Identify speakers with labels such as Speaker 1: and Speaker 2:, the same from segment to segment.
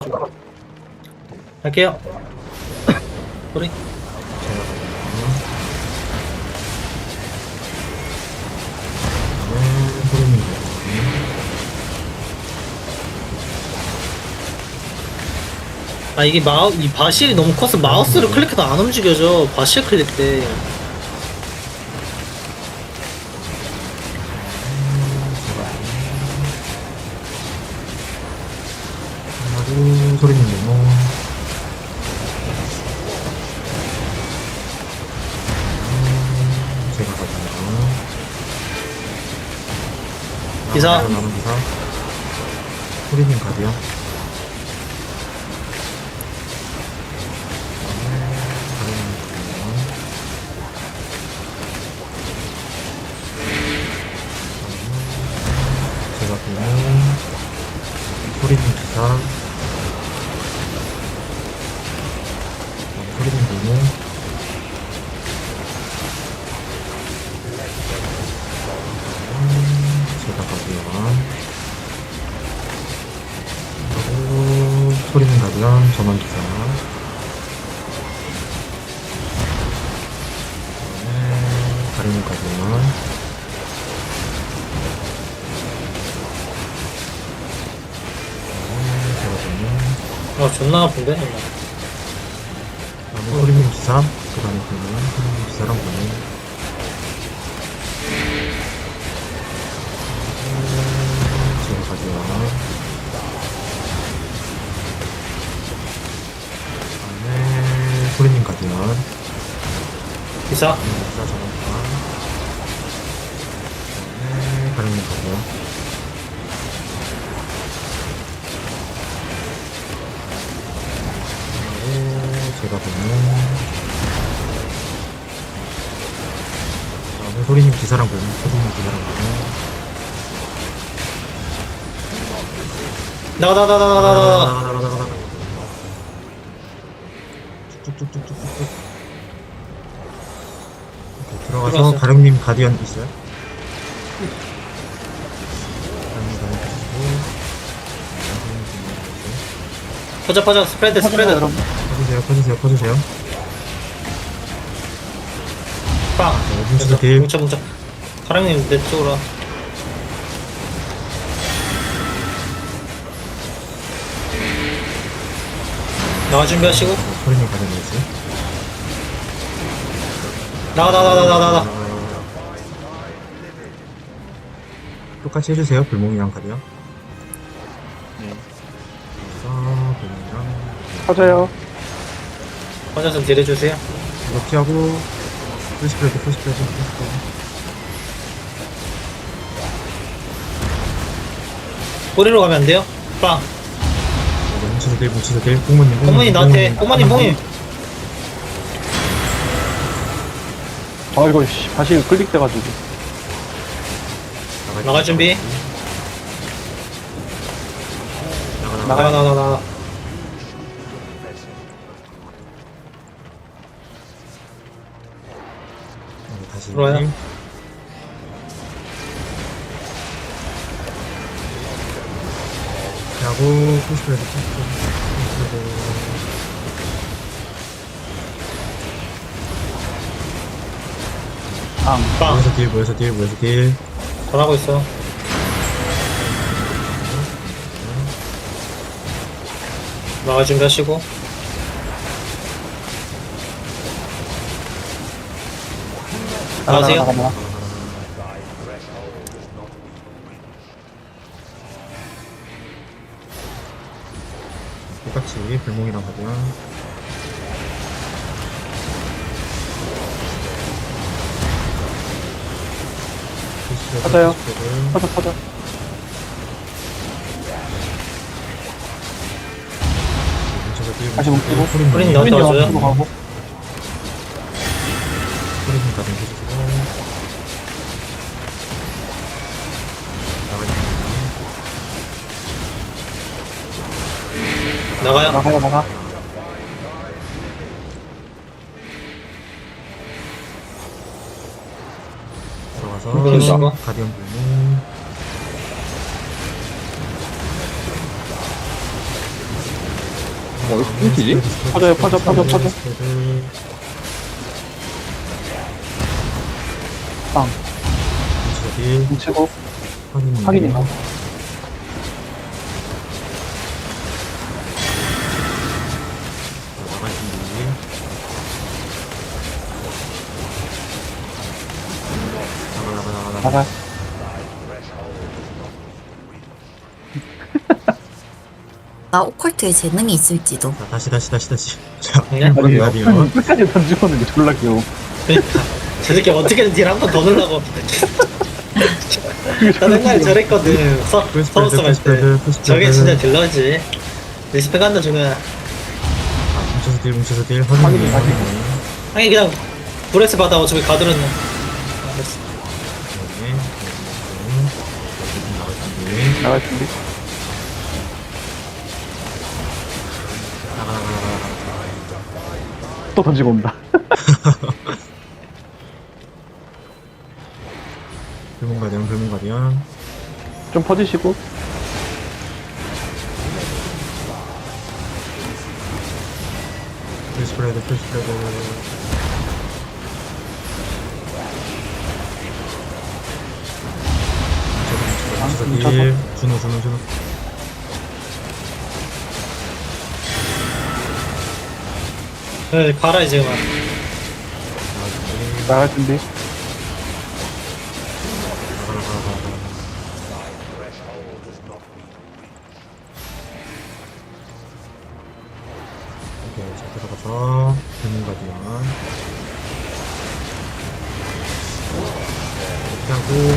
Speaker 1: 할게요. 소리. 아 이게 이 바실이 너무 커서 마우스를 클릭해도 안 움직여져. 바실 클릭 때.
Speaker 2: 소리님 네모 제가 가져요.
Speaker 1: 기사.
Speaker 2: 남은 기사 소리님 가세요. 제가 보면 소리님 기사 소리님 보면 제가 가고요. 그리고 소리님 가면 전원 기사 가리님 가면
Speaker 1: 존나 아픈데.
Speaker 2: 다음에 소리님 기사 그 다음에 보면 소리님 기사랑 보면 제가 가져와 다음에 소리님 가져와
Speaker 1: 기사.
Speaker 2: 기사 전원과 다음에 가리님 가져와 제가 보면 다음에 소리님 기사랑 보면 소리님 기사랑 보면
Speaker 1: 나가.
Speaker 2: 쭉쭉쭉쭉쭉쭉 들어가서
Speaker 1: 들어왔어.
Speaker 2: 가령님 가디언 있어요? 가령님 가디언 있고
Speaker 1: 퍼져 스프레드.
Speaker 2: 퍼주세요.
Speaker 1: 빵.
Speaker 2: 뭉쳐서 딜.
Speaker 1: 뭉쳐. 사랑님 내 쪽으로 와. 나가 준비하시고.
Speaker 2: 소리님 가디언 있어요?
Speaker 1: 나가.
Speaker 2: 똑같이 해주세요. 불몽이랑 가디언. 불몽이랑
Speaker 3: 터져요.
Speaker 1: 퍼져서 딜 해주세요.
Speaker 2: 이거 피하고 풀스프레드
Speaker 1: 꼬리로 가면 안 돼요? 빵.
Speaker 2: 뭉쳐서 딜 꽁무님
Speaker 1: 나한테. 꽁무님 봉님.
Speaker 3: 아 이거 씨 다시 클릭돼가지고.
Speaker 1: 나갈 준비. 나가.
Speaker 2: 다시
Speaker 1: 들어와요.
Speaker 2: 하고 풀스프레드
Speaker 1: 빵.
Speaker 2: 모여서 딜
Speaker 1: 전하고 있어. 나갈 준비하시고. 나가세요.
Speaker 3: 나가.
Speaker 2: 똑같이 불몽이랑 가면
Speaker 3: 터져요. 터져. 다시 뭉치고.
Speaker 1: 소리님 나한테 와줘요.
Speaker 3: 옆으로 가고.
Speaker 2: 소리님 가면 해주시고
Speaker 1: 나가요.
Speaker 3: 나가.
Speaker 2: 들어가서 가디언 불몽
Speaker 4: 어디서 끊기지?
Speaker 3: 퍼져요, 퍼져. 빵.
Speaker 2: 딜
Speaker 3: 뭉치고,
Speaker 2: 확인.
Speaker 3: 확인이요.
Speaker 2: 나갈 준비. 나가.
Speaker 3: 나가.
Speaker 5: 나 오컬트에 재능이 있을지도.
Speaker 2: 자, 다시. 자,
Speaker 1: 네?
Speaker 2: 불문가디언.
Speaker 3: 끝까지 던지고는 게 졸라 귀여워.
Speaker 1: 그러니까 저 새끼 어떻게든 딜 한 번 더 넣으려고. 나 옛날에 저랬거든. 서버스 할 때. 저게 진짜 딜러지. 리스펙 한다 중요야.
Speaker 2: 뭉쳐서 딜 확인.
Speaker 1: 아니 그냥 브레스 받아 어차피 가드는.
Speaker 3: 나갈 준비.
Speaker 2: 나가.
Speaker 3: 또 던지고 온다.
Speaker 2: 불문가디언.
Speaker 3: 좀 퍼지시고.
Speaker 2: 풀스프레드. 뭉쳐서 딜. 준호.
Speaker 1: 네, 가라 이제 그만.
Speaker 3: 나갈 준비.
Speaker 2: 오케이, 자 들어가서 불문가디언. 이렇게 하고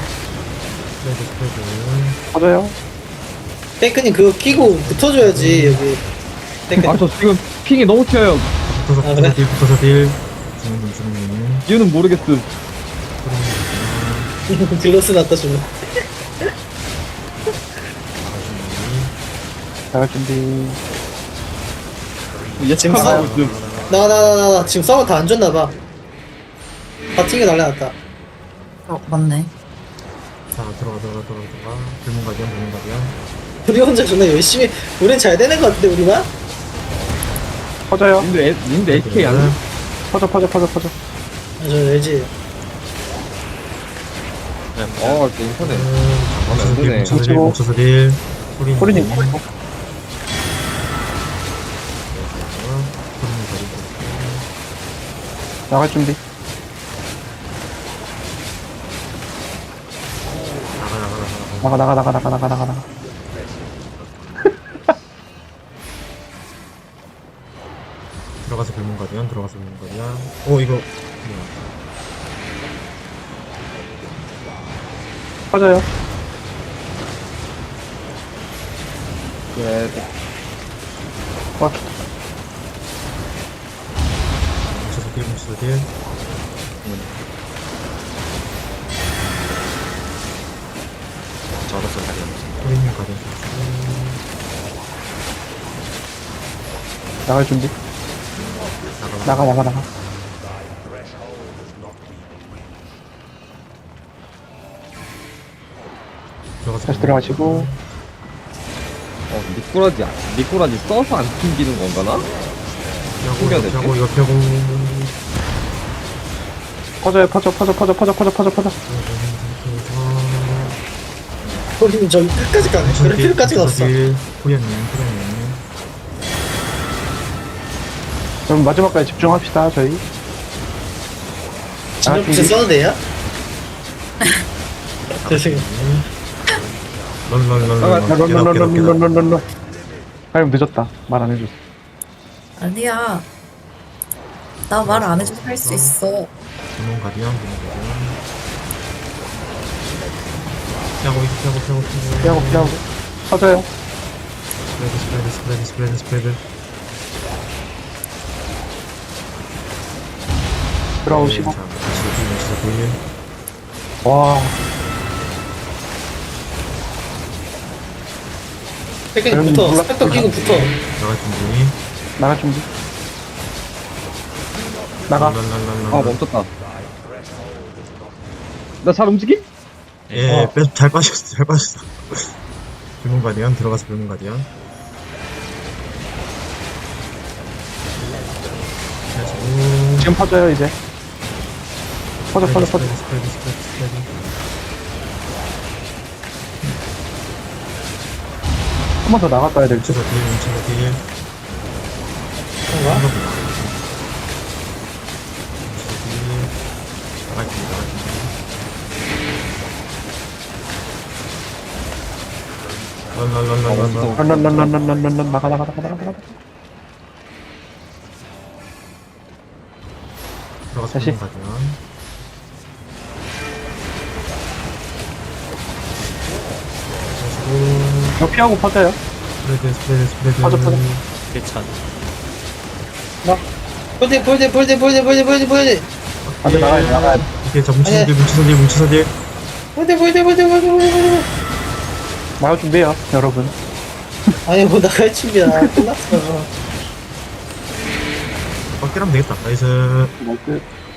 Speaker 2: 스프레드.
Speaker 3: 퍼져요.
Speaker 1: 탱크님 그거 끼고 붙어줘야지 여기. 탱크.
Speaker 4: 아 저 지금 핑이 너무 튀어요.
Speaker 1: 아, 그래?
Speaker 2: 붙어서 딜. 주는.
Speaker 4: 이유는 모르겠어.
Speaker 1: 딜러스 났다 주면.
Speaker 3: 나갈 준비.
Speaker 4: 예측하고 있음.
Speaker 1: 나 지금 서버 다 안 줬나봐. 다 튕겨 날려놨다.
Speaker 5: 맞네.
Speaker 2: 자 들어가. 불문가디언.
Speaker 1: 우리 혼자 존나 열심히. 우린 잘 되는 것 같은데 우리만?
Speaker 3: 퍼져요.
Speaker 4: 님도 AK 안 해?
Speaker 3: 퍼져.
Speaker 1: 아, 저 알지.
Speaker 4: 어, 저 인터넷. 마음에 안 드네.
Speaker 2: 뭉쳐서 딜.
Speaker 3: 소리님. 나갈 준비. 나가.
Speaker 2: 들어가서 불문가디언. 오 이거 뭐야.
Speaker 3: 퍼져요.
Speaker 4: 그래.
Speaker 3: 와,
Speaker 2: 뭉쳐서 딜.
Speaker 6: 저로서 가디언.
Speaker 2: 소리님 가디언.
Speaker 3: 나갈 준비. 나가.
Speaker 2: 들어가서
Speaker 3: 다시 들어가시고.
Speaker 4: 미꾸라지 써서 안 튕기는 건가나? 숨겨야 되지?
Speaker 2: 이거 펴고.
Speaker 3: 퍼져요. 퍼져.
Speaker 1: 우리는 저기 끝까지 가네. 그럴 필요까지 없어.
Speaker 2: 후연님.
Speaker 3: 그럼 마지막까지 집중합시다, 저희.
Speaker 1: 진짜 붙여 써도 돼요? 죄송해요.
Speaker 3: 런런런런런런런런. 아니, 늦었다. 말 안 해줬어.
Speaker 5: 아니야. 나 말 안 해줘도 할 수 있어.
Speaker 2: 불문가디언.
Speaker 3: 피하고. 퍼져요.
Speaker 2: 스프레드.
Speaker 3: 들어오시고.
Speaker 2: 자, 다시 딜.
Speaker 3: 와,
Speaker 1: 탱크님 붙어. 스펙터 끼고 붙어.
Speaker 2: 나갈 준비.
Speaker 3: 나가.
Speaker 4: 아, 멈췄다. 나 잘 움직임?
Speaker 2: 예, 잘 빠졌어. 불문가디언 들어가서 불문가디언.
Speaker 3: 지금 퍼져요 이제. 퍼져.
Speaker 2: 스프레드.
Speaker 3: 한 번 더 나갔다 해야 될 듯.
Speaker 2: 뭉쳐서 딜.
Speaker 1: 그런가?
Speaker 3: 런런런런런런런 나가. 다시. 이거 피하고 퍼져요.
Speaker 2: 스프레드.
Speaker 3: 퍼져.
Speaker 1: 괜찮아. 볼대.
Speaker 3: 안돼 나가야 돼.
Speaker 2: 이게 자 뭉쳐서 딜.
Speaker 1: 볼대.
Speaker 3: 나갈 준비해요 여러분.
Speaker 1: 아니, 뭐 나갈 준비야. 끝났어.
Speaker 2: 빡딜하면 되겠다. 나이스.
Speaker 3: 나이스.